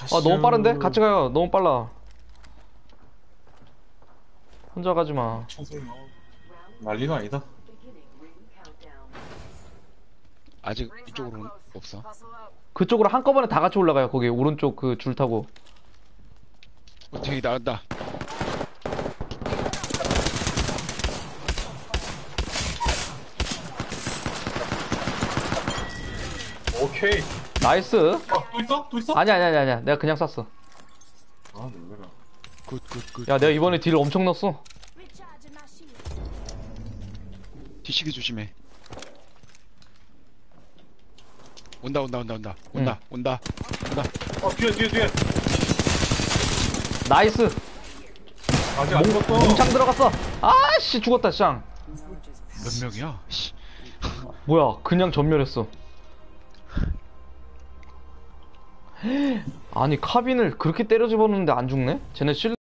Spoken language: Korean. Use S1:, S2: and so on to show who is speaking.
S1: 아, 너무 빠른데? 같이 가요. 너무 빨라. 혼자 가지 마.
S2: 청소년 난리가 아니다.
S3: 아직 이쪽으로는 없어.
S1: 그쪽으로 한꺼번에 다 같이 올라가요. 거기 오른쪽 그 줄 타고.
S3: 저기 나간다.
S2: 오케이.
S1: 나이스.
S2: 또 있어? 또 있어?
S1: 아니야. 내가 그냥 쐈어.
S2: 아 놀래라.
S3: 굿.
S1: 야, 내가 이번에 딜 엄청 넣었어.
S3: 뒤치기 조심해. 온다.
S2: 뒤에.
S1: 나이스.
S2: 아직 안 죽었어.
S1: 몽창 들어갔어. 아씨, 죽었다, 쌍.
S3: 몇 명이야? 씨.
S1: 뭐야, 그냥 전멸했어. 아니, 카빈을 그렇게 때려 집었는데 안 죽네? 쟤네 실